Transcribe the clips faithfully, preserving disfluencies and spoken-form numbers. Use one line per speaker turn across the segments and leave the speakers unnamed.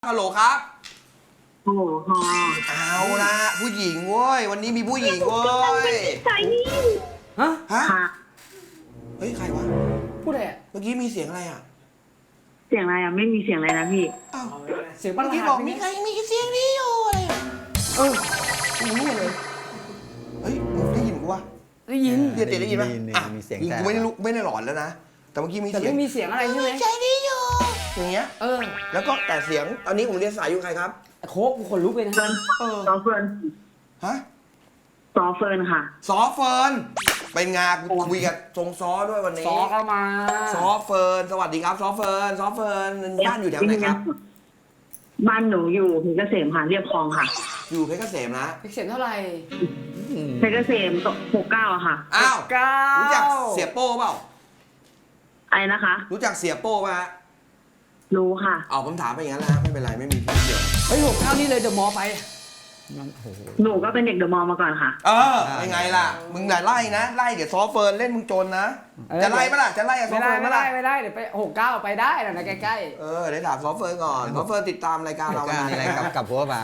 ฮัลโหลครับ
โอ้โห
เอาละผู้หญิงเว้ยวันนี้มีผู้หญิงเว้ย
ใช่นี่
ฮะฮะ
ค่ะ
เฮ้ยใครวะ
พูดอะไรอ่ะ
เมื่อกี้มีเสียงอะไรอ่ะ
เสียงอะไรอ่ะไม่มีเสียงอะไรนะพี่
อ้าว
เสียง
เมื่
บ้า
อกี้บอกมีใครมีเสียงนี้อยู่อะไรอ่ะเออกูรู้เลยเฮ้ยมึงได้ยินกูวะ
ได้ยิน
เดี๋ยวได้ยินไหมอ่ะ
มีเสียง
กู
แต่
ไม่ได้รู้ไม่ได้หลอนแล้วนะแต่เมื่อกี้มี
แต่
เสียง
ไม่มีเสียงอะไรใช่ไหม
ใจนี้อยู่อย่างเงี้ย
เออ
แล้วก็แต่เสียงตอนนี้ผมเรียนสายอยู่ใครครับ
โค้กกูขนลุกเลยนะ
เฟิร์น
เออ
ซอเฟิร์น
ฮะ
ซอเฟิร์นค่ะ
ซอเฟิร์นเป็นงานกูคุยกับทรงซอด้วยวันนี้
ซอเข้ามา
ซอเฟิร์นสวัสดีครับซอเฟิร์นซอเฟิร์นบ้านอยู่แถวไหนครับ
บ้านหนูอยู่เพชรเกษมค่ะเรียบคลองค่ะ
อยู่เพชรเกษมนะ
เสียงเท่าไหร่
เพชรเกษมหกเก้าอะค่ะ
อ้าว
เก้า
รู้จักเสียโป้เปล่า
อะไรนะคะ
รู้จักเสียโป้ป่ะฮะ
รู้ค่ะ
เอาผมถามไปอย่างนั้นแหละไม่เป็นไรไม่มีพิษเดียว
เฮ้ยหกเก้านี่เลยเดอะมอลล์ไป
หนูก็เป็นเด็กเดอะมอลล์มาก่อนค่ะ
เออยังไงล่ะมึงอย่าไล่นะไล่เดี๋ยวซอเฟิร์นเล่นมึงจนนะจะไล่ปะล่ะจะไล่กับซอ
ไม่ได้
เฟิร์น
ไม่
ปะ
ได้
ล่ะ
ไม่ได้เดี๋ยวไปหกเก้าไปได้นะนะใกล้
เออเดี๋ยวถามซอเฟิร์นก่อนซอเฟิร์นติดตามรายการเรามานาน
อะไร
แล้ว
กับกับหัวหวาน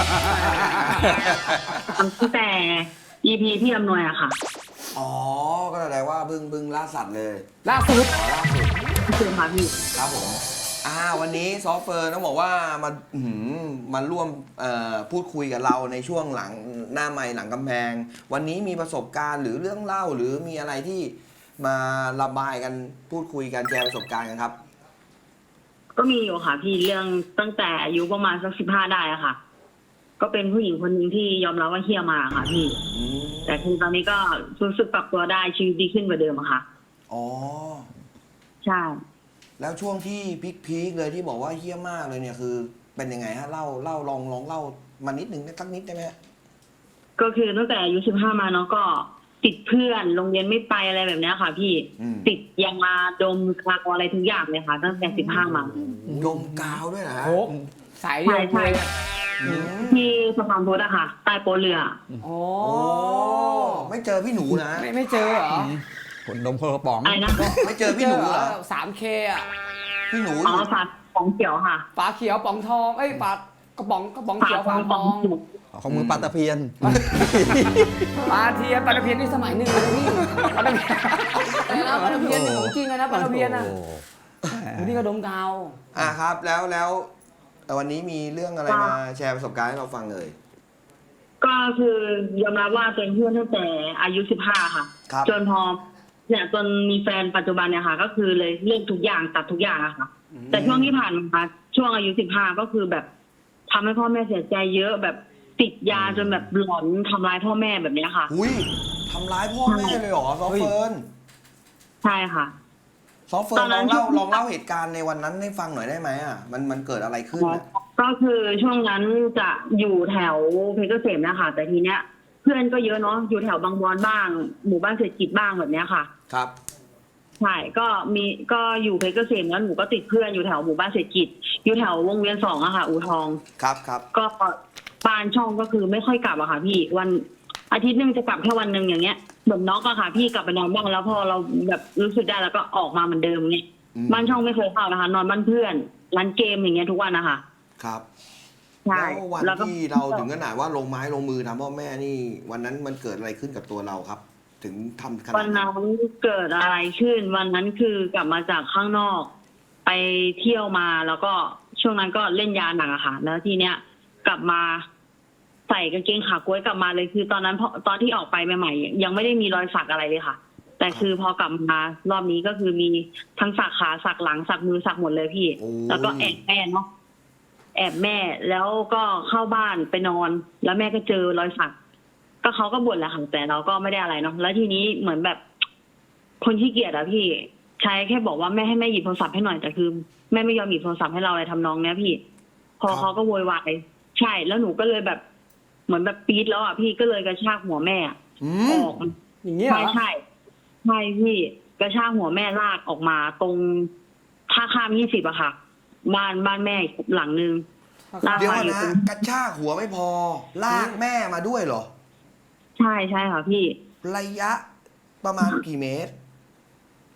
ตั้งแต่ อี พี ที่อำนวยอะค่ะ
อ๋อก็แสดงว่าบึ้งบึ้งล่าสัตว์เลย
ๆล่าสุด
อ๋อล่าสุด
คือค่ะพี่
ครับผมอ่าวันนี้ซอฟเฟิร์นต้องบอกว่ามาอื้อหือมาร่วมเอ่อพูดคุยกับเราในช่วงหลังหน้าไมค์หลังกำแพง วันนี้มีประสบการณ์หรือเรื่องเล่าหรือมีอะไรที่มาระบายกันพูดคุยกันแชร์ประสบการณ์กันครับ
ก็มีอยู่ค่ะพี่เรื่องตั้งแต่อายุประมาณสักสิบห้าได้อะค่ะ ก็เป็นผู้หญิงคนหนึ่งที่ยอมรับว่าเฮี้ยมาค่ะพี่
อืม
แต่คือตอนนี้ก็รู้สึกปรับตัวได้ชีวิตดีขึ้นกว่าเดิมอะค่ะ
อ๋อ
ใช่
แล้วช่วงที่พีคๆเลยที่บอกว่าเฮี้ยมากเลยเนี่ยคือเป็นยังไงฮะเล่าเล่าลองลองเล่ามานิดนึงสักนิดได้ไหมฮะ
ก็คือตั้งแต่อายุสิบห้ามาเนาะก็ติดเพื่อนโรงเรียนไม่ไปอะไรแบบเนี้ยค่ะ พี่
อืม
ติดยามาดมคลากอะไรทุกอย่างเลยค่ะ ตั้งแต่สิบห้ามา
ดมกาวด้วยนะฮะ
โค้กสายเดียว
ใช่
เลย
ใช่
อืม
ที่สะพานพุทธอะค่ะใต้โป๊ะเรือ
โอ้
โอ้ไม่เจอพี่หนูนะ
ไม่ไม่เจอเหรอ
คนดมคนกระป๋อง
อะไรนะ
ไม่เจอพี่หนูเหรอ
สามเคอ่ะ
พี่หนูอ
อ๋อยู่ ฝาของเขียวค่ะ
ฝาเขียวป๋องทองเอ้ยฝากระป๋องกระป๋อง
ฝา
เขียว
ข
ฝา
อง
ท
ขอ
อง ง
เขียว
ของมือปลาตะเพียน
ปลาเทียนปลาตะเพียนนี่สมัยหนึ่งเลยพี่ปลาตะเพียนอะไรนะปลาตะเพียนนี่ของจริงเลยนะปลาตะเพียนนะโอ้นี่ก็ดมกาว
อ่ะครับแล้วแล้ววันนี้มีเรื่องอะไรมาแชร์ประสบการณ์ให้เราฟังเลย
ก็คือยอมรับว่าเป็นเพื่อนตั้งแต่อายุสิบห้าค่ะ
ครับ
จนพอเนี่ยจนมีแฟนปัจจุบันเนี่ยค่ะ ก็คือเลยเลิกทุกอย่างตัดทุกอย่างอะค่ะ แต่ช่วงที่ผ่านมาช่วงอายุสิบห้าก็คือแบบทำให้พ่อแม่เสียใจเยอะแบบติดยาจนแบบหลอนทำร้ายพ่อแม่แบบเนี้ยค่ะ
อุ้ยทำร้ายพ่อแม่เลยเหรอซอฟเฟิร์น
ใช่ค่ะ
ซอฟเฟิร์
ตอน นนั้
ลอง
น
เล่าลองเล่าเหตุการณ์ในวันนั้นให้ฟังหน่อยได้ไหมอ่ะมันมันเกิดอะไรขึ้นอ่ะ
ก็คือช่วงนั้นจะอยู่แถวเพชรเกษมนะคะแต่ทีเนี้ย เพื่อนก็เยอะเนาะอยู่แถวบางบอนบ้าง หมู่บ้านเศรษฐกิจบ้างแบบเนี้ยค่ะ
ครับ
ใช่ก็มีก็อยู่เพชรเกษมแล้วหนูก็ติดเพื่อนอยู่แถวหมู่บ้านเศรษฐกิจอยู่แถววงเวียนสองอะค่ะอูทอง
ครับครับ
ก็บ้านช่องก็คือไม่ค่อยกลับอะค่ะ พี่วันอาทิตย์หนึงจะกลับแค่วันหนึ่งอย่างเงี้ยแบบน็อกอะค่ะ พี่กลับไปนอนบ้างแล้วพอเราแบบรู้สึกได้แล้วก็ออกมาเหมือนเดิมเนี่ย
อืม
บ้านช่องไม่เคยเข้านะคะ นอนบ้านเพื่อนร้านเกมอย่างเงี้ยทุกวันนะคะ
ครับ
ใช่
แล้ววัน
แล้วก็
ที่เราถึงขนาดว่าลงไม้ลงมือทำพ่อแม่นี่ วันนั้นมันเกิดอะไรขึ้นกับตัวเราครับ ถึงทำขนา
วั
ด
น
นั้น
นั้นเกิดอะไรขึ้น วันนั้นคือกลับมาจากข้างนอก ไปเที่ยวมาแล้วก็ช่วงนั้นก็เล่นยาหนักอะค่ะ แล้วทีเนี้ยกลับมาใส่กางเกงขากล้วยกลับมาเลยคือตอนนั้นพอตอนที่ออกไปใหม่ๆยังไม่ได้มีรอยสักอะไรเลยค่ะ แต่คือพอกลับมารอบนี้ก็คือมีทั้งสักขาสักหลังสักมือสักหมดเลยพี่
โอ้ย
แล้วก็แอบแม่เนาะแอบแม่แล้วก็เข้าบ้านไปนอน แล้วแม่ก็เจอรอยสัก ก็เขาก็บ่นแหละค่ะแต่เราก็ไม่ได้อะไรเนาะแล้วทีนี้เหมือนแบบ คนขี้เกียจอะพี่ใช้แค่บอกว่าแม่ให้แม่หยิบโทรศัพท์ให้หน่อยแต่คือแม่ไม่ยอมหยิบโทรศัพท์ให้เราอะไรทำนองเนี้ยพี่ พอเขาก็โวยวายใช่แล้วหนูก็เลยแบบ เหมือนแบบปี๊ดแล้วอะพี่ก็เลยกระชากหัวแม่อะ
อื
อ
ม
อก
อย่างนี้เหร
ใช่
อ
ใช่ใช่พี่กระชากหัวแม่ลากออกมาตรงท่าข้ามยี่สิบอะค่ะ บ้านบ้านแม่อีกหลังนึงลาก
เดี๋ยว
มาอยู่
นะ
ตรง
กระชากหัวไม่พอ ลากแม่มาด้วยเหรอ
ใช่ใช่ค่ะพี่
ระยะประมาณกี่เมตร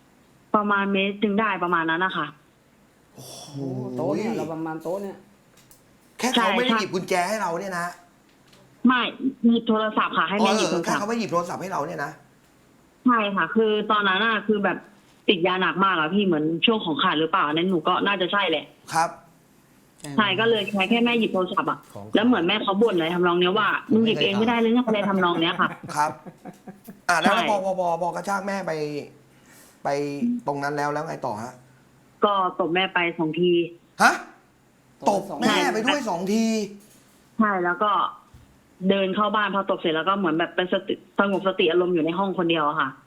ประมาณเมตรจึงได้ประมาณนั้นนะคะ
โอ้โห
โต๊ะเนี่ยเราประมาณโต๊ะเนี่ย
แค่เขาไม่ได้
ใช่
หยิบกุญแจให้เราเนี่ยนะ
ไม่หยิบโทรศัพท์ค่ะ ให้แม่หยิบ
เอ
โท
อ
ร
แค่
ศัพท์
เขาไม่หยิบโทรศัพท์ให้เราเนี่ยนะ
ใช่ค่ะ คือตอนนั้นน่ะคือแบบติดยาหนักมากอะพี่เหมือนช่วงของขาดหรือเปล่าอันนั้นหนูก็น่าจะใช่แหละ
ครับ
ใช่ก็เลยแค่แค่แม่หยิบโทรศัพท์อะ
ของ
แล้วเหมือนแม่เขาบ่นเลยทำนองเนี้ยว่ามึงหยิบเองไม่ได้เลยเนี่ยอะไรทำนองเนี้ยค่ะ
ครับ อ่าแล้ว
ใช่
พอพอพอพอกระชากแม่ไป ไปตรงนั้นแล้วแล้วไงต่อฮะ
ก็ตบแม่ไปสองที
ฮะ ตบ
สอง
แม่ไปด้วยสองที
ใช่แล้วก็เดินเข้าบ้านพอตบเสร็จแล้วก็เหมือนแบบเป็นสติสงบสติอารมณ์อยู่ในห้องคนเดียวอะค่ะ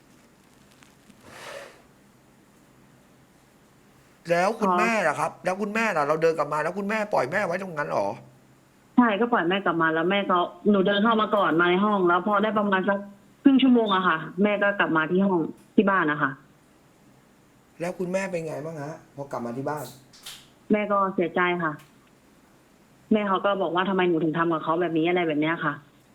แล้วคุณ
อ๋อ
แม่ล่ะครับ แล้วคุณแม่ล่ะเราเดินกลับมาแล้วคุณแม่ปล่อยแม่ไว้ตรงนั้นเหรอ
ใช่ก็ปล่อยแม่กลับมาแล้วแม่ก็หนูเดินเข้ามาก่อนมาในห้อง แล้วพอได้ประมาณสักครึ่งชั่วโมงอะค่ะ แม่ก็กลับมาที่ห้องที่บ้านนะคะ
แล้วคุณแม่เป็นไงบ้างฮะพอกลับมาที่บ้าน
แม่ก็เสียใจค่ะ แม่เขาก็บอกว่าทำไมหนูถึงทำกับเขาแบบนี้อะไรแบบเนี้ยค่ะ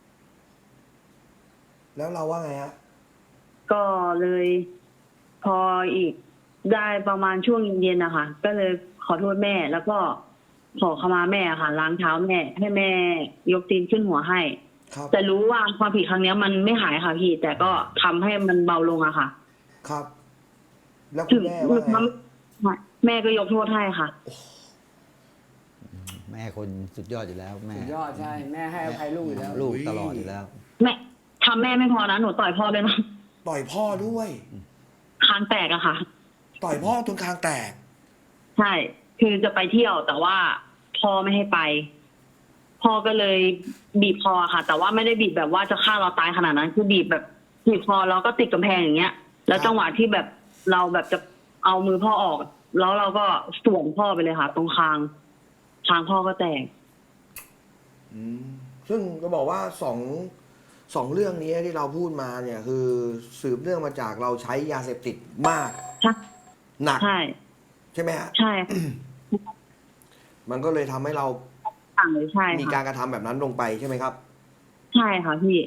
แล้วเราว่าไงฮะ
ก็เลยพออีกได้ประมาณช่วงเย็นๆนะคะก็เลยขอโทษแม่ แล้วก็ขอขมาแม่ค่ะ ล้างเท้าแม่ ให้แม่ยกตีนขึ้นหัวให้
ครับ
แต่รู้ว่าความผิดครั้งเนี้ยมันไม่หายค่ะพี่ แต่ก็ทำให้มันเบาลงอะค่ะ
ครับ แล้วคุ
ถึ
ณ
ง
แม่ว่าไง
แม่ก็ยกโทษให้ค่ะ
แม่คนสุดยอดอยู่แล้ว แม่
สุดยอดใช่แม่ให้อภัยลูกอยู่แล้ว
ลูกตลอดอยู่แล้ว
แม่ทำแม่ไม่พอนะหนูต่อยพ่อด้วยนะ
ต่อยพ่อด้วย
คางแตกอะค่ะ
ต่อยพ่อจนคางแตก
ใช่ คือจะไปเที่ยวแต่ว่าพ่อไม่ให้ไป พ่อก็เลยบีบคอค่ะ แต่ว่าไม่ได้บีบแบบว่าจะฆ่าเราตายขนาดนั้น คือบีบแบบบีบคอแล้วก็ติดกำแพงอย่างเงี้ย แล้วจังหวะที่แบบเราแบบจะเอามือพ่อออก แล้วเราก็สวมพ่อไปเลยค่ะ ตรงคางคางพ่อก็แตก
อืมซึ่งก็บอกว่าสองสองเรื่องนี้ที่เราพูดมาเนี่ย คือสืบเนื่องมาจากเราใช้ยาเสพติดมาก
ใช่
หนัก
ใช่
ใช่ไหมฮะ
ใช่
มันก็เลยทำให้เรา
ต่างเลยใช่
มี
ค่ะ
การกระทำแบบนั้นลงไปใช่ไหมครับ
ใช่ค่ะพี่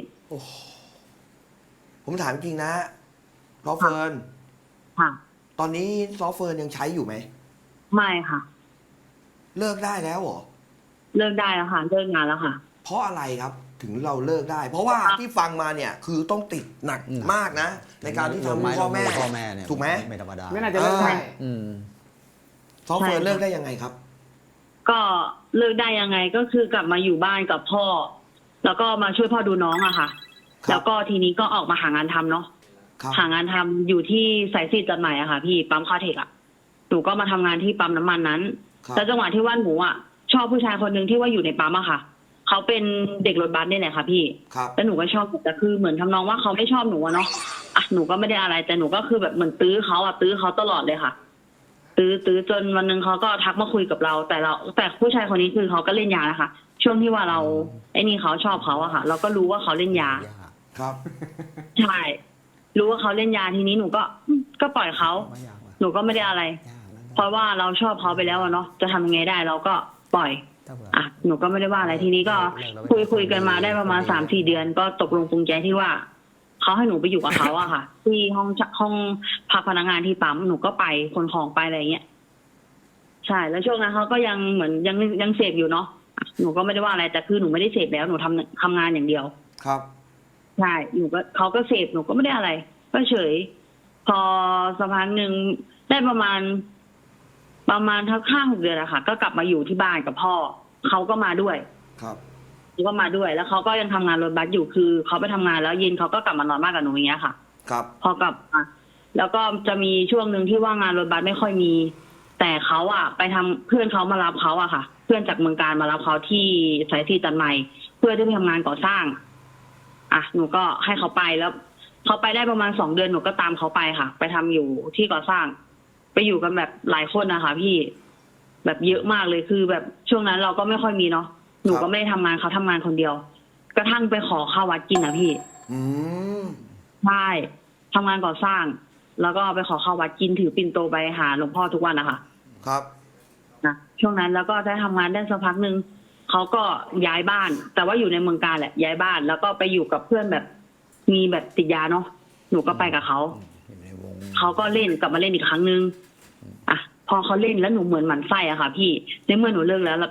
ผมถามจริงนะซอฟเฟิร์น
ค่ะ
ตอนนี้ซอฟเฟิร์นยังใช้อยู่ไหม
ไม่ค่ะ
เลิกได้แล้วเหรอ
เลิกได้แล้วค่ะ เลิกงานแล้วค่ะ
เพราะอะไรครับ ถึงเราเลิกได้ เพราะว่าที่ฟังมาเนี่ย คือต้องติดหนัก
อืม
มากนะ ในการที่
ลงไม้
ทำพ่อแม่
ลงพ่อแม่เนี่ย
ถูกไหม
ไม่ธรรมดา
ไม่น่าจะเลิกได้
อืม
ซอฟเฟิร์น
ใช่ค่ะ
เลิกได้ยังไงครับ
ก็เลิกได้ยังไงก็คือกลับมาอยู่บ้านกับพ่อ แล้วก็มาช่วยพ่อดูน้องอะค่ะ
ครับ
แล้วก็ทีนี้ก็ออกมาหางานทำเนาะ
ครับ
หางานทำอยู่ที่สายสีจัดใหม่อะค่ะ พี่ปั๊มคาเทคอะหนูก็มาทำงานที่ปั๊มน้ำมันนั้น
ครับ
แล้วจังหวะที่ว่าหนูอะชอบผู้ชายคนหนึ่งที่ว่าอยู่ในปั๊มอะค่ะเขาเป็นเด็กรถบัสนี่แหละค่ะพี่
ครับ
แล้วหนูก็ชอบแต่คือเหมือนทำนองว่าเขาไม่ชอบหนูอะเนาะอ่ะหนูก็ไม่ได้อะไร แต่หนูก็คือแบบเหมือนตื้อเขาอะตื้อเขาตลอดเลยค่ะ ตื้อตื้อจนวันหนึ่งเขาก็ทักมาคุยกับเรา แต่เราแต่ผู้ชายคนนี้คือเขาก็เล่นยานะคะ ช่วงที่ว่าเราไอ้นี่เขาชอบเขาอะค่ะ เราก็รู้ว่าเขาเล่นยา
ครับ
ใช่ รู้ว่าเขาเล่นยาทีนี้หนูก็อืมก็ปล่อยเขา
ไม่ยากว่ะ
หนูก็ไม่ได้อะไร
ยากนะ
เพราะว่าเราชอบเขาไปแล้วอะเนาะจะทำยังไงได้เราก็ปล่อย
ถ้าเผื่อ
อ่ะหนูก็ไม่ได้ว่าอะไรทีนี้ก็
เลิกแล้ว
คุยคุยกันมาได้ประมาณสามสี่เดือน ก็ตกลงปรงใจที่ว่าเขาให้หนูไปอยู่กับเขาอะค่ะ ที่ห้องห้องพักพนักงานที่ปั๊มหนูก็ไปคนของไปอะไรเงี้ยใช่แล้วช่วงนั้นเขาก็ยังเหมือนยังยังเสพอยู่เนาะอ่ะหนูก็ไม่ได้ว่าอะไรแต่คือหนูไม่ได้เสพแล้วหนูทำทำงานอย่างเดียว
ครับ
ใช่หนูก็เขาก็เสพหนูก็ไม่ได้อะไร ก็เฉย พอสักพักหนึ่งได้ประมาณ ประมาณทั้งห้าหกเดือนอะค่ะ ก็กลับมาอยู่ที่บ้านกับพ่อเขาก็มาด้วย
ครับ
เขาก็มาด้วย แล้วเขาก็ยังทำงานรถบัสอยู่คือเขาไปทำงานแล้วเย็นเขาก็กลับมานอนบ้านกับหนูอย่างเงี้ยค่ะ
ครับ
พอกลับมาแล้วก็จะมีช่วงหนึ่งที่ว่างานรถบัสไม่ค่อยมี แต่เขาอะไปทำเพื่อนเขามารับเขาอะค่ะ เพื่อนจากเมืองการมารับเขาที่สายสีจันใหม่ เพื่อที่ไปทำงานก่อสร้าง อ่ะหนูก็ให้เขาไปแล้วเขาไปได้ประมาณสองเดือนหนูก็ตามเขาไปค่ะ ไปทำอยู่ที่ก่อสร้าง ไปอยู่กันแบบหลายคนนะคะพี่ แบบเยอะมากเลยคือ แบบช่วงนั้นเราก็ไม่ค่อยมีเนาะหนูก็ไม่ได้ทำงานเขาทำงานคนเดียว กระทั่งไปขอข้าววัดกินอะพี่
อืม
ใช่ทำงานก่อสร้าง แล้วก็ไปขอข้าววัดกินถือปิ่นโตไปหาหลวงพ่อทุกวันนะคะ
ครับ
นะช่วงนั้นแล้วก็ได้ทำงานได้สักพักหนึ่งเขาก็ย้ายบ้าน แต่ว่าอยู่ในเมืองการแหละย้ายบ้าน แล้วก็ไปอยู่กับเพื่อนแบบมีแบบติดยาเนาะหนูก็ไปกับเขา
อยู่ในวง
เขาก็เล่นกลับมาเล่นอีกครั้งนึงอ่ะพอเขาเล่นแล้วหนูเหมือนหมันไส้อะค่ะ พี่ในเมื่อหนูเลิกแล้วแบบ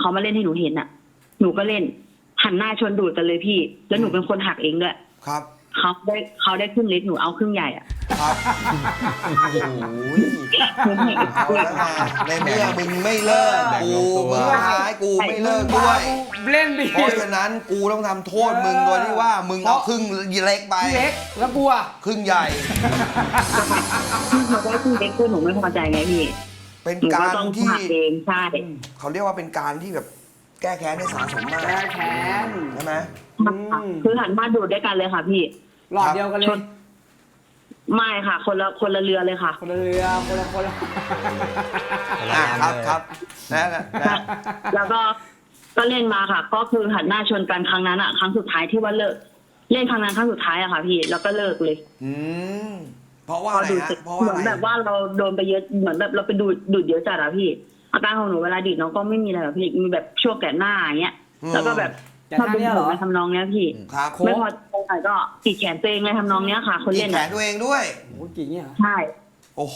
เขามาเล่นให้หนูเห็นอ่ะ หนูก็เล่นหันหน้าชนดูดกันเลยพี่ แล้วหนูเป็นคนหักเองด้วย
ครับ
เขาได้เขาได้ครึ่งเล็กหนูเอาครึ่งใหญ่อ่ะ
ครับโอ้โห
หนูให้
เอาแล้วไงในเมื่อมึงไม่เลิกกูมึงท้ายกูไม่เลิกด้วย
เล่นดิ
เพราะฉะนั้นกูต้องทำโทษมึงโดยที่ว่ามึงเอาครึ่งเล็กไป
เล็กแล้วกลัว
ครึ่งใหญ่
หนูได้ครึ่งเล็กคือหนูไม่พอใจไงพี่
เป็น
หนูก็
การ
ต้อง
ที่
หักเองใช่
เขาเรียกว่าเป็นการที่แบบแก้แค้นได้สะสมมาก
แก้แค้น
ใช่ไหม
อืม
คือหันมาดูดด้วยกันเลยค่ะพี่
หลอดเดียวกันเล
ช
ย
น ไม่ค่ะ คนละคนละเรือเลยค่ะ
คนละเรือคนละคนละ
อ่าครับครับนะนะนะ
แล้วก็ก็เล่นมาค่ะ ก็คือหันหน้าชนกันครั้งนั้นอะครั้งสุดท้ายที่ว่าเลิก เล่นครั้งนั้นครั้งสุดท้ายอะค่ะพี่ แล้วก็เลิกเลย
อืมเพราะว่าอะไร
ดูด
ฮะ
เสร็จ
เพราะ
เห
ว่า
มือน
อะไร
แบบว่าเราโดนไปเยอะเหมือนแบบเราไปดูดดูดเยอะจัดอะพี่ อาการของหนูเวลาดีดน้องก็ไม่มีอะไรแบบพี่มีแบบช่วงแก่หน้าอย่างเงี้ย แล้วก็แบบ
แต่
ชอบ
ท่า
ดู
เนี้ยเหรอ
ในทำนองเนี้ยพี่
ครับ
ไม่พอใจก็ติดแขนตัวเองในทำนองเนี้ยค่ะ คน
อี
เล่
ก
น
แข
อะ
นตัวเองด้วย
โอ้ยกี่เนี่ยเหรอ
ใช่
โอ้โห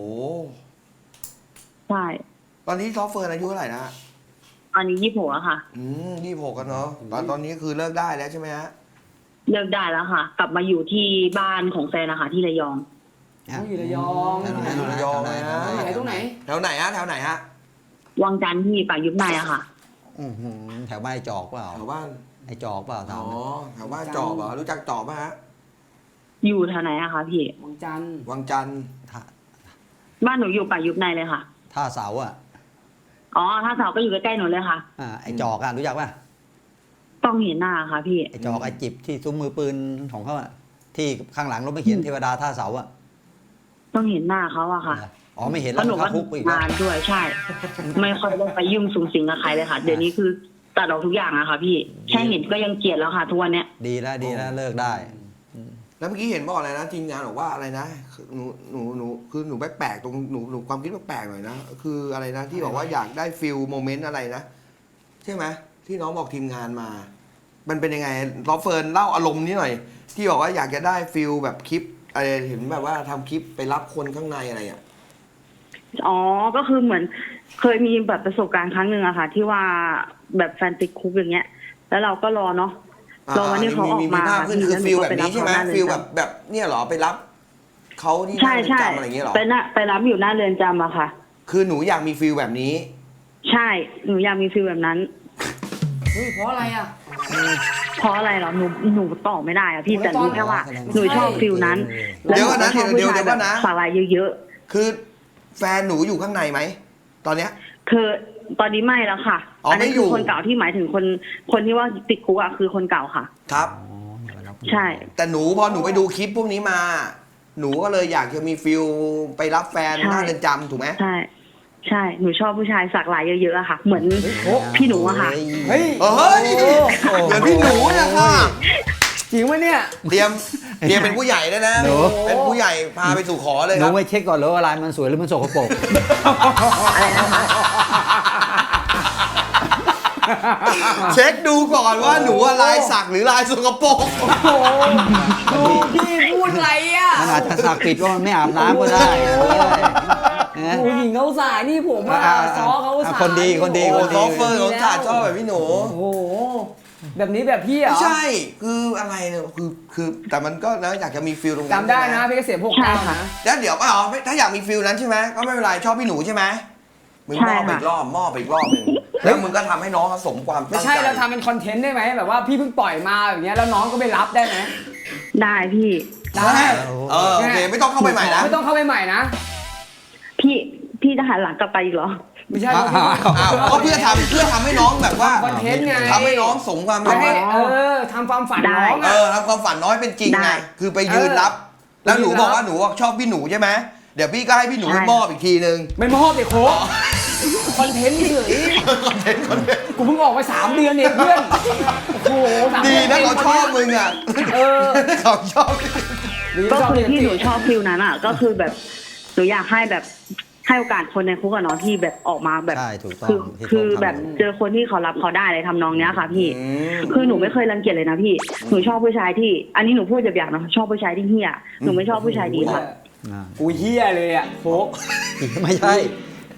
ใช่
ตอนนี้ซอฟเฟิร์นอายุเท่าไหร่นะ
อันนี้ยี่สิบหกอะค่ะ
อืมยี่หกกันเนาะตอนตอนนี้คือเลิกได้แล้วใช่ไหมฮะ
เลิกได้แล้วค่ะ กลับมาอยู่ที่บ้านของแฟนนะคะที่ระยอง
เขาอยู่ระยอง
แถวไหน
อยู่ระยองเลยนะ
ตรงไหนตรงไหน
แถวไหนฮะแถวไหนฮะ
วังจันทร์ที่ป่ายุบในอะค่ะ
อื้อหือแถวบ้านไอ้จอกเปล่า
แถวบ้าน
ไอ้จอกเปล่า
อ๋
ถา
อ
ม
แถวบ้านจอบเหรอรู้จักจอบไหมฮะ
อยู่แถวไหนอะคะพี่
วังจันทร์
วังจันทร์
ท่า
บ้านหนูอยู่ป่ายุบในเลยค่ะ
ท่าเสาอ่ะ
อ๋อถ้าเสาก็อยู่ใกล้ๆหนูเลยค่ะ
อ่าไอ้จอกอ่ะรู้จักป่ะ
ต้องเห็นหน้าค่ะพี่
ไอ้จอกไอ้จิบที่ซุ้มมือปืนของเขาอ่ะที่ข้างหลังรถไม่เขียนเทวดาท่าเสาอ่ะ
ต้องเห็นหน้าเขาอะค่ะ
อ๋อไม่เห็น
เพ
แล้ว
ราะหนู
เข้า
ก็
คุกไปอีกแล้ว
งานด้วยใช่ ไม่ค่อยได้ไปยุ่งสุงสิงกับใครเลยค่ะ เดี๋ยวนี้คือตัดออกทุกอย่างอะค่ะ พี่ แค่เห็นก็ยังเกลียดแล้วค่ะทุกวันเนี้ย
ดีแล้วดีแล้วเลิกได้
แล้วเมื่อกี้เห็นบอกอะไรนะทีมงานบอกว่าอะไรนะคือหนูหนูหนูคือหนูแปลกๆตรงหนูหนูความคิดแปลกๆหน่อยนะคืออะไรนะที่บอกว่าอยากได้ฟิลโมเมนต์อะไรนะใช่ไหมที่น้องบอกทีมงานมา มันเป็นยังไงลอฟเฟิร์นเล่าอารมณ์นี้หน่อย ที่บอกว่าอยากจะได้ฟิลแบบคลิปอะไรเห็นแบบว่าทำคลิปไปรับคนข้างในอะไรอ่ะ
อ๋อ ก็คือเหมือนเคยมีแบบประสบการณ์ครั้งหนึ่งอะค่ะ ที่ว่าแบบแฟนติดคุกอย่างเงี้ย แล้วเราก็รอเนาะ รอวันที่เขาออกมา
ภาพขึ้นคือ
ค่ะ
ฟิลแบบ
แล้วหนูก็ไปรับ
นี้ใช่ไหม
เขาหน้าเรือนจำ
ฟิลแบบแบบเนี่ยเหรอไปรับเขาที่ห
ใช่
น้าเรือน
ใช่
จำอะไรอย่างเงี้ยเหรอ
ไปนะไปรับอยู่หน้าเรือนจำอะค่ะ
คือหนูอยากมีฟิลแบบนี้
ใช่ หนูอยากมีฟิลแบบนั้น
เฮ้ยเพราะอะไรอ่ะ
เพราะอะไรเหรอ หนู หนูตอบไม่ได้อะพี่
หนู
แต่
ตอบ
รู้แค่ว่า
แสดงว่า
หนูชอบฟิลนั้น
เดี๋ยวก่อนนะ
แล้วห
เดี๋ยว
ก็ชอบ
เดี๋ยว
ผู้ชา
เดี๋ยวก่อนนะ
แบบสาลายเยอะ
คือแฟนหนูอยู่ข้างในไหมตอนเนี้ย
ๆคือตอนนี้ไม่แล้วค่ะ
อ๋ออั
นนี้
ไม่อยู่
คือคนเก่าที่หมายถึงคน คนที่ว่าติดคุกอะคือคนเก่าค่ะ
ครับ
อ๋ออย่าไปรับ
ใช่
แต่หนูพอหนูไปดูคลิปพวกนี้มา หนูก็เลยอยากจะมีฟิลไปรับแฟน
ใช่
หน้าเรือนจำถูกไหม
ใช่ ใช่ หนูชอบผู้ชายสักลายเยอะๆอะค่ะ เหมือนพี่หนูอะค่ะ
เฮ้ย
เฮ้ยเหมือนพี่หนูนะค่ะ
จริงไหมเนี่ย
เตรียมเตรียมเป็นผู้ใหญ่แล้วนะ
หนู
เป็นผู้ใหญ่พาไปสู่ขอเลย
ห
ค
นู
รับ
ไม่เช็คก่อนเหรอว่าลายมันสวยหรือมันสกปรก
เช็คดูก่อนว่าหนูอะลายสักหรือลายสกปรก
โอ้โหพี่พูดอะไรอ่ะ
มันอาจจะสักปิดว่ามันไม่อาบน้ำก็ได้เออนะ
โอ้หญิงเขาสายนี่ผมอ่ะ
อ่า
ซอเขาสาย
คนดีคนดี
โอ้โหซอฟเฟอร์ของชาติชอบแบบพี่หนู
โอ้โหแบบนี้แบบพี่เหร
ไม่
อ
ใช่ คืออะไรเนี่ย คือ คือ แต่มันก็นะอยากจะมีฟิลตรงนั้น
จำได้นะ
ใช่หม
พี่เกษมหก
ใช่
เก้า
ค่ะ
นะ
แล้วเดี๋ยวอ๋อถ้าอยากมีฟิลนั้นใช่ไหมก็ไม่เป็นไร ชอบพี่หนูใช่ไหมมึงมอบไป
ใช่ค่ะ
อีกรอบ มอบไปอีกรอบหนึ่งแล้วมึงก็ทำให้น้องเขาสมความ
ไม่
ตั้ง
ใช่
ใจ
เราทำเป็นคอนเทนต์ได้ไหมแบบว่าพี่เพิ่งปล่อยมาแบบเนี้ยแล้วน้องก็ไปรับได้ไหม
ได้พี่
ได้
เออ โอเค ไม่ต้องเข้าไปใหม่นะ
ไม่ต้องเข้าไปใหม่นะ
พี่ พี่จะหันหลังกลับไปอีกเหรอ
ไม่ใช่
อ้าวอ้าว
อ้าวก็เพื่อทำเพื่อทำให้น้องแบบว่า
คอนเทนต์ไง
ทำให้น้องสมความ
ไม่
ตั้ง
ให้
ใจ
เออทำความฝัน
ได้
น้อง
เอ
อ่ะ
อทำความฝันน้อยเป็นจริง
ได้
ไง คือไปยืนรับ แล้วหนูบอกว่าหนูชอบพี่หนูใช่ไหมเดี๋ยวพี่ก็ให้พี่หนู
ใช่
มอบอีกทีนึง
ไม่มอบเด็กโค้กคอนเทนต์เฉย
คอนเทนต์คอนเทนต์
กูเพิ่งออกไปสามเดือนเองเพื่อนโอ้โหสาม
ดี
ดือ
นะ
ง
เขาชอบมึงอ่ะ
เออ
เขาชอบ
ดี
ก็
ชอบ
คือ
เรียน
ที่หนู
ติ
ชอบฟิลนั้นอ่ะ ก็คือแบบหนูอยากให้แบบให้โอกาสคนในคุกอะเนาะที่แบบออกมาแบบ
ใช่ถูกต้อง
คือ
ที่
คือ
เขาทำ
แบบเจอคนที่เขารับเขาได้เลยทำนองเนี้ยค่ะ พี่
อืม
คือหนูไม่เคยรังเกียจเลยนะพี่ หนูชอบผู้ชายที่ อันนี้หนูพูดแบบอย่างนะชอบผู้ชายที่เฮี้ยหนูไม่ชอบผู้ชายดีค่ะ
อ่า
กูเฮี้ยเลยอ่ะโค้ก
ไม่ใช่ไอ้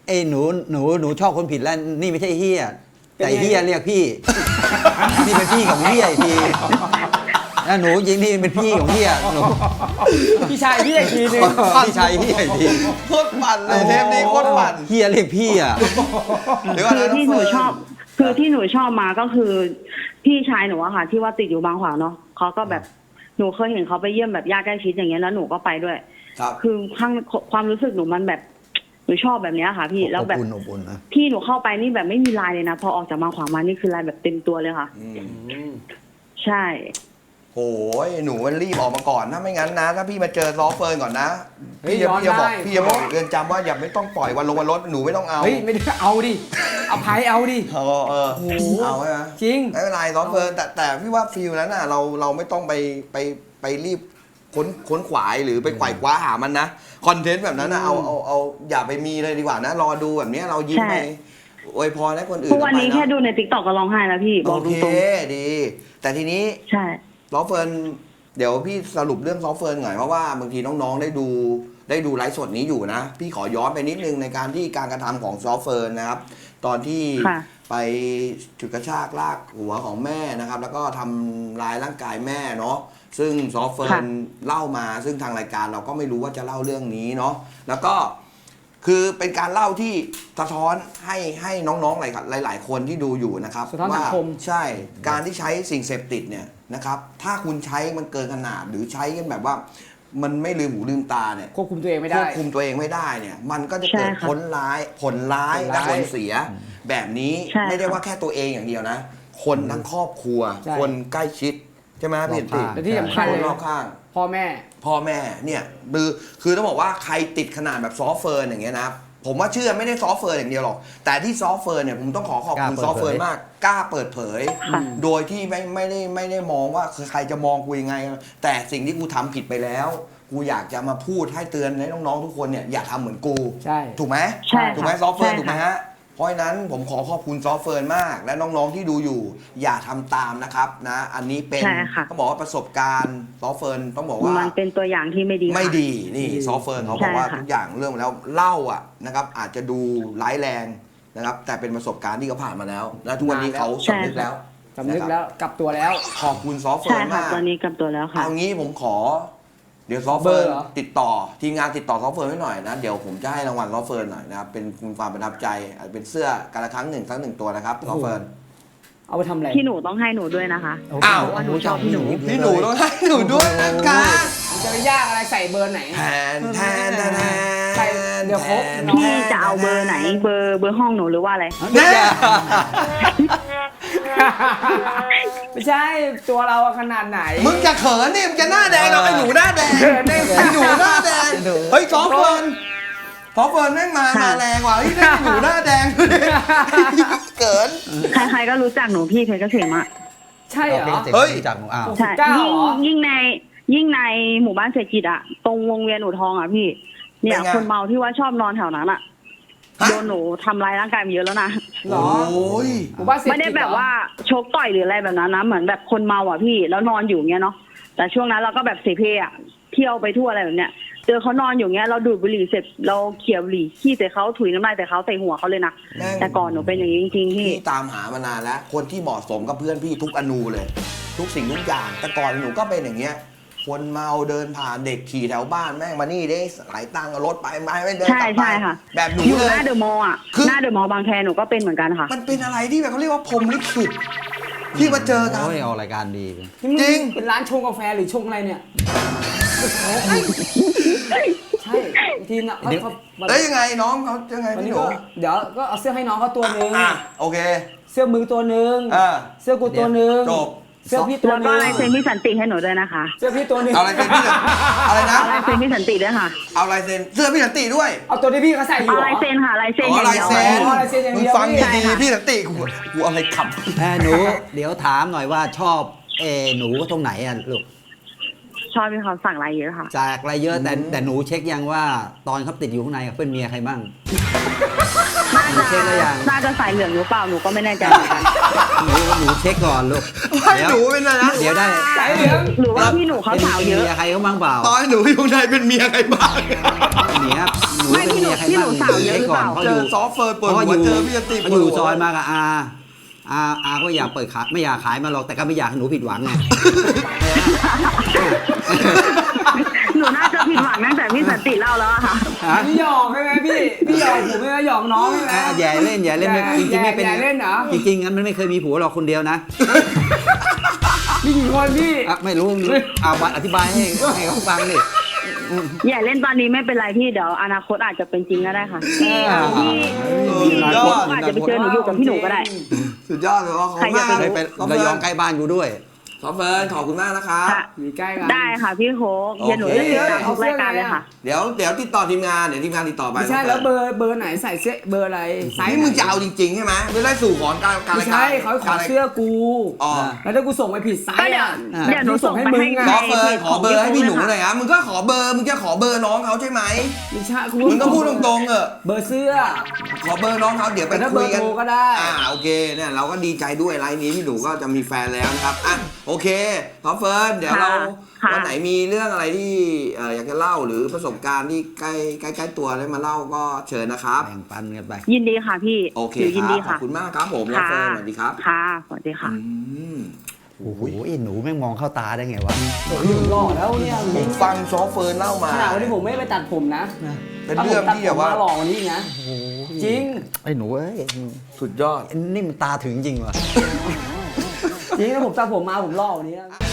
ไอ้หนูหนูหนูชอบคนผิดแล้วนี่ไม่ใช่เฮีย
เป็นไง
แต่เฮียเรียกพี่ นี่เป็นพี่ของเฮียอีกทีแล้วหนูจริงนี่เป็นพี่ของเฮียหนู
พี่ชายพี่อีกทีนึง
พี่ชายเฮียอีกที
โคตรปั่นเลยเทปนี้โคตรปั่น
เฮียเรียกพี่อ่ะ
เดี๋ยวก่อน
คือ
นะ
ที่หนูชอบ คือที่หนูชอบมาก็คือ พี่ชายหนูอะค่ะ ที่ว่าติดอยู่บางขวางเนาะเขาก็แบบหนูเคยเห็นเขาไปเยี่ยมแบบญาติใกล้ชิดอย่างเงี้ยแล้วหนูก็ไปด้วย
ครับ
คือข้างความรู้สึกหนูมันแบบหนูชอบแบบเนี้ยค่ะ พี่แล้วแบบ
อบอุ่นอบอุ่นนะ
พี่หนูเข้าไปนี่แบบไม่มีลายเลยนะพอออกจากบางขวางมานี่คือลายแบบเต็มตัวเลยค่ะ
อืม
ใช่
โอ้ยหนูมันรีบออกมาก่อนนะไม่งั้นนะ ถ้าพี่มาเจอซอฟเฟิร์นก่อนนะ
เฮ้ย
พี่จะ
ย้อน
พี่จะบอก
ได้
พี่จะบอกเรือนจำว่าอย่าไม่ต้องปล่อยวันลงวันรถหนูไม่ต้องเอา
เฮ้ยไม่ได้เอาดิเอาไพ่เอาดิ
เออเออ
โอ้โห
เอาใช่ไหม
จริง
ไม่เป็นไรซอฟเฟิร์นแต่แต่พี่ว่าฟิลนั้นน่ะเราเราไม่ต้องไปไปไปรีบค้นค้นขวายหรือไปไขว่คว้าหามันนะคอนเทนต์แบบนั้นนะเอาเอาเอาอย่าไปมีเลยดีกว่านะรอดูแบบเนี้ยเรายิ้ม
ใช่
ไปอวยพรให้คนอื่น
ทุกวันนี้
ต่อไป
แค่
นะ
ดูในติ๊กต็อกก็ร้องไห้แล้วพี่บ
โอ
อกต
เค
รง
ดี แต่ทีนี้
ๆใช่
ซอฟเฟิร์นเดี๋ยวพี่สรุปเรื่องซอฟเฟิร์นหน่อยเพราะว่าบางทีน้องๆได้ดูได้ดูไลฟ์สดนี้อยู่นะ พี่ขอย้อนไปนิดนึงในการที่การกระทำของซอฟเฟิร์นนะครับ ตอนที่
ค่ะ
ไปฉุดกระชากลากหัวของแม่นะครับ แล้วก็ทำลายร่างกายแม่เนาะซึ่งซอฟเฟิร์น
ค่ะ
เล่ามาซึ่งทางรายการเราก็ไม่รู้ว่าจะเล่าเรื่องนี้เนาะแล้วก็คือเป็นการเล่าที่สะท้อนให้ให้น้องๆหลายหลายๆคนที่ดูอยู่นะครับ
สะท้อนสังคม
ว่าใช่การที่ใช้สิ่งเสพติดเนี่ยนะครับ ถ้าคุณใช้มันเกินขนาดหรือใช้กันแบบว่า มันไม่ลืมหูลืมตาเนี่ย
ควบคุมตัวเองไม่
คว
ได้
บคุมตัวเองไม่ได้เนี่ย มันก็จะเกิด
ใช่ค่ะ
ผลร้ายผลร้าย
ผล
และ
ร้าย
ผลเสีย แบบนี้
ใช่
ไม่ได้
ค่ะ
ว่าแค่ตัวเองอย่างเดียวนะ คนทั้งครอบครัว
ใช่
คนใกล้ชิดใช่ไหมพี่
รอบ
ติ
ข้าง
แต่ที่สำคัญ
ค
เล
น
ย
รอบข้าง
พ่อแม่
พ่อแม่เนี่ยคือคือต้องบอกว่าใครติดขนาดแบบซอฟต์เฟิร์นอย่างเงี้ยนะผมว่าเชื่อไม่ได้ซอฟต์เฟิร์นอย่างเดียวหรอก แต่ที่ซอฟต์เฟิร์นเนี่ยผมต้องขอขอบคุณ
ก
ซ
ล้า
อฟต์เฟิร์น
เปิดเผย
มากกล้าเปิดเผย
ค่ะ
โดยที่ไม่ไม่ได้ไม่ได้มองว่าคือใครจะมองกูยังไง แต่สิ่งที่กูทำผิดไปแล้ว กูอยากจะมาพูดให้เตือนให้น้องๆทุกคนเนี่ยอย่าทำเหมือนกู
ใช่
ถูกไหม
ใช่ค่ะ
ถูกไหมซอฟต์เฟิร์น
ใช่ค่ะ
ถูกไหมฮะเพราะฉะนั้นผมขอขอบคุณซอฟต์เฟิร์นมาก และน้องๆที่ดูอยู่ อย่าทำตามนะครับนะอันนี้เป็น
ใช่ค่ะ
ต้องบอกว่าประสบการณ์ซอฟต์เฟิร์นต้องบอกว่า
มันเป็นตัวอย่างที่ไม่ดีค่ะ
ไม่ดีนี่ซอฟต์เฟิร์นเขาบอกว่า
ใช่ค่ะ
ทุกอย่างเรื่องแล้วเล่าอ่ะนะครับอาจจะดูร้ายแรงนะครับแต่เป็นประสบการณ์ที่เขาผ่านมาแล้ว และทุกวันนี้เขาสำนึกแล้ว
สำนึกแล้วกลับตัวแล้ว
ขอบคุณซอฟต์เฟิ
ใช่
ร์น
ค่ะ
มาก
ตอนนี้กลับตัวแล้วค่ะ
เอางี้ผมขอ เดี๋ยวซอฟต์เฟิร์น
เบอร์เหรอ
ติดต่อทีมงานติดต่อซอฟต์เฟิร์นไว้หน่อยนะเดี๋ยวผมจะให้รางวัลซอฟต์เฟิร์นหน่อยนะครับเป็นคุณความประทับใจอาจจะเป็นเสื้อการละครั้งหนึ่งครั้งหนึ่งตัวนะครับซอฟต์เฟิร์น
เอาไปทำอะไร
พี่หนูต้องให้หนูด้วยนะคะ
อ้าว
เพราะว่าหนูชอบพี่หนู
พี่หนูต้องให้หนูด้วยนะคะ
มันจะไปยากอะไรใส่เบอร์ไหน
แทนแทนแทนแทน
ใส่เดี๋ยวครบ
แทน
พี่จะเอาเบอร์ไหน เบอร์เบอร์ห้องหนูหรือว่าอะไร
แน่
ไม่ใช่ตัวเราอะขนาดไหน
มึงจะเขินนี่มึงจะหน้าแดงเราไอ้หนูหน้าแดง
เขินได้ไง
ไอ้หนูหน้าแดงเฮ้ยซอฟต์เฟิร์นซอฟต์เฟิร์นแม่งมามาแรงว่ะเฮ้ยได้หนูหน้าแดงเกิน
ใครๆก็รู้จักหนูพี่เพชรเกษมอะ
ใช่เหรอ
เฮ้ย
จากหนูอ้าว
ใช่
เก้า
ยิ่ง
เหรอ
ยิ่งในยิ่งในหมู่บ้านเศรษฐกิจอะตรงวงเวียนอู่ทองอะพี่ เนี่ย
เป็นไง
คนเมาที่ว่าชอบนอนแถวนั้นอะ
ฮะ
โดนหนูทำร้ายร่างกายมาเยอะแล้วนะ
เหรอ
โอ้ย
หมู่บ้านเศรษฐ
ไม่
กิจ
ได้แบบ
เหรอ
ว่าชกต่อยหรืออะไรแบบนั้นนะเหมือนแบบคนเมาอ่ะพี่แล้วนอนอยู่เงี้ยเนาะแต่ช่วงนั้นเราก็แบบเสเพอ่ะเที่ยวไปทั่วอะไรแบบเนี้ยเจอเขานอนอยู่เงี้ยเราดูดบุหรี่เสร็จเราเขี่ยบุหรี่ขี้ใส่เขาถุยน้ำลายใส่เขาใส่หัวเขาเลยนะ
แม่ง
แต่ก่อนหนูเป็นอย่างนี้จริงๆพี่
พี่ตามหามานานแล้ว คนที่เหมาะสมกับเพื่อนพี่ทุกอนูเลย ทุกสิ่งทุกอย่าง แต่ก่อนหนูก็เป็นอย่างเงี้ย คนเมาเดินผ่านเด็กขี่แถวบ้านแม่งมานี่ได้หลายตังค์เอารถไปไม่ไม่เดิน
ใช่
กลับไป
ใช่ค่ะ
แบบหนู
อยู่
เล
ห
ย
น้าเดอะมอลล์อ่ะ
คือ
หน้าเดอะมอลล์บางแคหนูก็เป็นเหมือนกันค่ะ
มันเป็นอะไรที่แบบเขาเรียกว่าพรหมลิขิตที่มาเจอกัน
โอ้ยเอารายการดี
นี่มึ
จริง
เป็นร้านชงกาแฟหรือชงอะไรเนี่ยใช่บางทีนะเขาเขา
แล้วยังไงน้องเขายังไง
วัน
พี่
นี้
หนู
ก็เดี๋ยวก็เอาเสื้อให้น้องเขาตัวหนึ่ง
อ่ะโอเค
เสื้อมึงตัวหนึ่ง
อ่า
เสื้อกูตัวหนึ่ง
จบ
เสื้อพี่ตัว
แล้ว
ห
ก็
นึ่ง
ลายเซ็นพี่สันติให้หนูด้วยนะคะ
เสื้อพี่ตัวหนึ่ง
เอาลายเซ็นพี่สันอะไรนะ
เอาลายเซ็นพี่สันติด้วยค่ะ
เอาลายเซ็นเสื้อพี่สันติด้วย
เอาตัวที่พี่เขาใส่อยู่
เอา
เหรอ
ลายเซ็นค่ะลายเซ็น
อ๋
อ
อย่าง ลาย
เดียว
เซ็น
อ๋อลายเซ็นอย่างเดียว
มึงฟัง
พี่
ดีๆพี่สันติกูกูเอาอะไรขับ
เอ้ยหนูเดี๋ยวถามหน่อยว่าชอบเออหนูตรงไหนอ่ะลูก
ชอบที่เขาสั่งลายเยอะค่ะ
จากอะไรเยอะแต่
อืม
แต่หนูเช็คยังว่าตอนเขาติดอยู่ข้างในเขาเป็นเมียใครบ้าง
ไม่น่า
หนู
จะ
เช็คแล้วยัง
น่าจะสายเหลืองหรือเปล่าหนูก็ไม่แน่ใจเหมือนกัน
หนูหนูเช็คก่อนลูก
ให้
เดี๋ยว
หนูเป็นอะไรนะ
เดี๋ยวได้
สายเหลือง
หรือว่าพี่หนูเขาสาวเยอะ
ป็นมีใครเขาบ้างเปล่า
ตอนให้หนูอยู่ในเป็นเมียใครบ้าง
เนี่ยหนู
ไม่
เป็น
พี่หนู
เมียใคร
พี่ห
บ้า
นู
ง
สาวเยอะหรือเปล่า
ช็คก่น
เจ
พ
อ
ราะอยู่
ซอฟเฟิร์นเปิด
เพราะ
หัว
อยู่
เจอพี่จะตี
เขาอยู่ซอยมากับอาอาอาก็อยากเปิดขายไม่อยากขายมาหรอกแต่ก็ไม่อยากให้หนูผิดหวังไง
หนูน่าจะผิดหวังตั้งแต่พี่สันติเล่าแล้วอะค่ะ
ฮะ
พี่หยอกใช่ไหมพี่ พี่หยอกผมใช่ไหมหยอกน้องใช่ไหม
อ่ะอย่าเล่นอย่าเล่นไม่จริงๆไม่เป็น
อย่าเล่นเหรอ
จริงๆงั้นมันไม่เคยมีผัวหรอกคนเดียวนะ
มีกี่คนพี่
อ่ะไม่รู้เอามาอธิบายให้ให้เขาฟังดิ
อย่าเล่นตอนนี้ไม่เป็นไรพี่เดี๋ยวอนาคตอาจจะเป็นจริงก็ได้ค่ะ
อ่า
พี่พี่พี่อาจจะไปเจอหนูอยู่กับพี่หนูก็ได้
สุดยอดเลยว่าเขา
ใครจะ
มาก
ไป
เลยเป็นระยองใกล้บ้านกูด้วย
ซอฟเฟิร์นขอบคุณมากนะครับ
ค่ะ
อยู่ใกล้กัน
ได้ค่ะพี่โค้กเดี๋ยวหนูจะติดตามทุกรายการเลยค่ะ
เดี๋ยวเดี๋ยวติดต่อทีมงานเดี๋ยวทีมงานติดต่อไป
ไม่ใช่แล้วเบอร์เบอร์ไหนใส่เสื้อเบอร์อะไรไซส์
นี่มึงจะเอาจริงๆใช่ไหมไม่ได้สู่ขอการการ
ไม่
รายการ
ใช่เขาขอเสื้อกู
อ๋อ
แล้วถ้ากูส่งไปผิดไซ
ก็
ส์
เดี๋ยว
อ่ะ
เดี๋ยวหนูส่งไปให้
อะ
ซอฟเฟิร์นขอเบอร์ให้พี่หนูหน่อยครับมึงก็ขอเบอร์มึงจะขอเบอร์น้องเขาใช่ไหม
ไม่ใช่กู
มึงก็พูดตรงๆเออ
เบอร์เสื้อ
ขอเบอร์น้องเขาเดี๋ยวไป
แต่ถ้า
คุยกัน
เบอร์โทรก็ได้
อ่าโอเคเนี่ยเราก็ดีใจด้วยไลน์นี้พี่หนูก็จะมีแฟนแล้วนะครับอ่ะโอเคซอฟเฟิร์นเดี๋ยวเรา
ค่ะ
วันไหนมีเรื่องอะไรที่เอ่ออยากจะเล่าหรือประสบการณ์ที่ใกล้ใกล้ใกล้ตัวได้มาเล่าก็เชิญนะครับ
แบ่งปันกันไป
ยินดีค่ะพี่
โอเค
หนูยิน
ครั
ดี
บขอ
ค่ะ
บคุณมากครับผมซอฟเฟิร์นสวัสดีครับ
ค่ะสวัสดีค่ะ
อืม
โอ้โหไอ้หนูแม่งมองเข้าตาได้ไงวะ
ผมหล่อแล้วเนี่ย
ผมฟังซอฟเฟิร์นเล่ามา
ขนาดวันนี้ผมไม่ไปตัดผมนะ
เป็นเรื่องที่แบบว่า
ถ้ผมตัดผมมหล่อกว่านี้อีกนะ จริง
ไอ้หนูเอ้ย
สุดยอด
นี่มันตาถึงจริงว่ะ
จริงถ้าผมตัดผมมาผมหล่อกว่านี้นะ